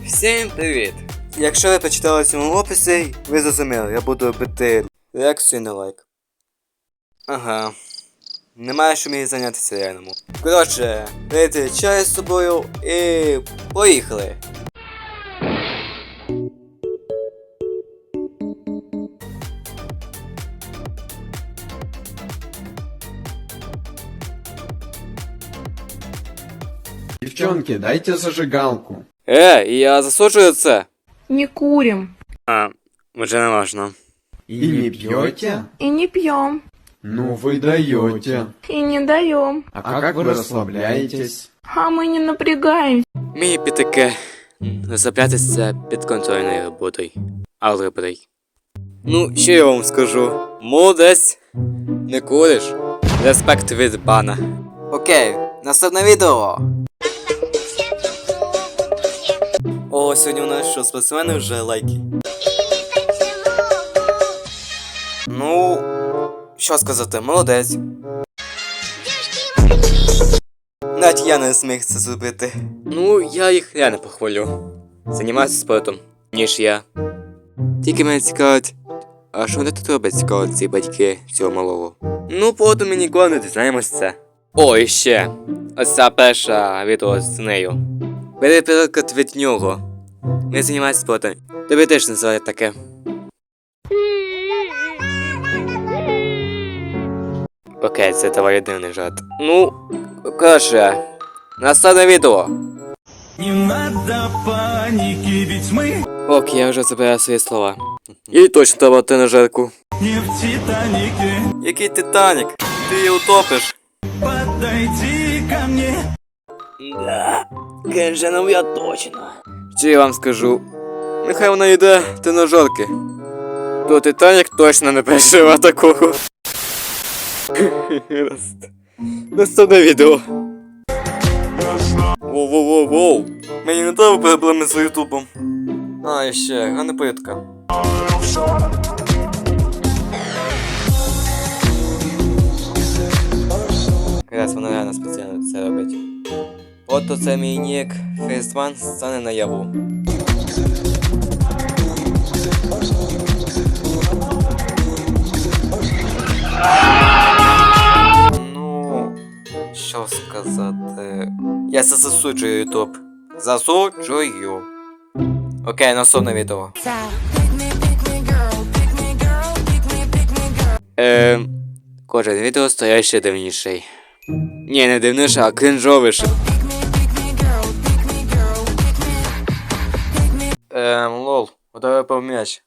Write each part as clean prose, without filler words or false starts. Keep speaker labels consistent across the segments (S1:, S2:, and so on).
S1: Всім привіт! Якщо ви прочитали в цьому описі, ви зрозуміли, я буду робити реакцію на лайк. Ага. Немає що мені зайнятися реальному. Коротше, пийте чай з собою і поїхали!
S2: Девчонки, дайте зажигалку.
S1: Я засуджую це!
S3: Не курим
S1: Вже не важно.
S2: И не пьете?
S3: и не пьем,
S2: Ну вы даете.
S3: и не даем,
S2: А как вы расслабляетесь?
S3: а мы не напрягаемся.
S1: Мій підтаке розроблятися підконтрольною роботою. Алгеброю. Ну, що я вам скажу? Молодець! Не куриш? Респект від бана. Окей, наступне відео. О, сьогодні у нас що, спортсмени вже лайки. Ну, що сказати, молодець. Навіть я не зміг це зробити. Ну, я їх реально похвалю. Займаюся спортом, ніж я. Тільки мене цікавить, а що вони тут роблять цікаво ці батьки цього малого? Ну, потім ми ніколи не дізнаємось це. О, і ще. Ось ця перша відео з нею. Бери приклад від нього. Не займайся спортом. Тобі теж називають таке. Окей, це доволі дивний жарт. Ну, коротше, наступне відео.
S4: Не надо паники, ведь мы
S1: Ок, я вже забираю свої слова. І точно треба ти на жарку.
S4: не в Титанике.
S1: Який Титанік? Ти її утопиш.
S4: Подойди ко мне.
S1: Да, Кенженом я точно. Що я вам скажу? Нехай вона йде тренажерки. То Титанік точно не переживе такого. Наступне відео. Воу-воу-воу-воу. Мені не треба проблеми з ютубом. А, і ще, грана плитка. Якраз вона реально спеціально це робить. Ото це мій нік Фейсван стане наяву. Ну, що сказати... Я це засуджую ютуб. Засуджую. Окей, наступне відео. Кожен відео стає ще дивніший. Ні, не дивніше, а кринжовіше. Лол, удари по м'яч.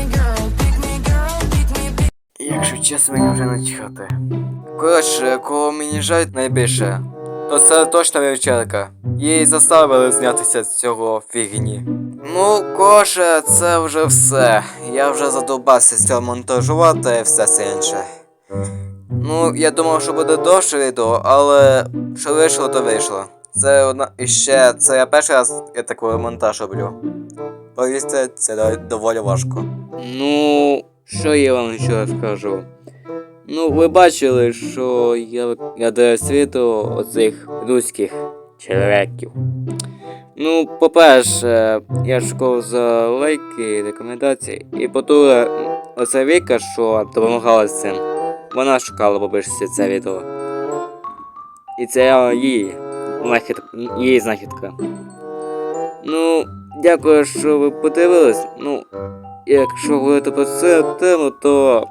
S1: Якщо чесно, мені вже начхати. Коротше, кого мені жаль найбільше, то це точно вівчарка. Її заставили знятися з цього фігні. Ну, коротше, це вже все. Я вже задовбався з цього монтажувати і все це інше. Ну, я думав, що буде довше відео, але що вийшло, то вийшло. Це одна... І ще, це я перший раз я такий монтаж роблю. Повірте, це доволі важко. Ну, що я вам ще скажу? Ну, ви бачили, що я даю світу оцих руських чоловіків. Ну, по-перше, я шукав за лайки, рекомендації. І по-друге, оця Віка, що допомагала з цим, вона шукала побільше це відео. І це її знахідка. Ну, дякую, що ви подивились. Ну, якщо говорити про цю тему, то...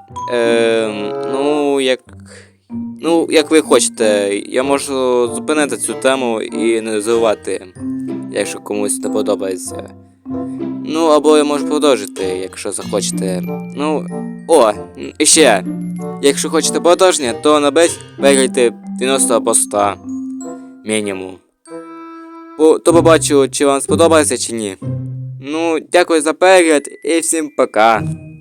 S1: як ви хочете, я можу зупинити цю тему і не розвивати, якщо комусь не подобається. Ну, або я можу продовжити, якщо захочете. Ну, і ще, якщо хочете продовження, то наберіть переглядайте 90 або 100 мінімум. То побачу, чи вам сподобається, чи ні. Ну, дякую за перегляд і всім пока.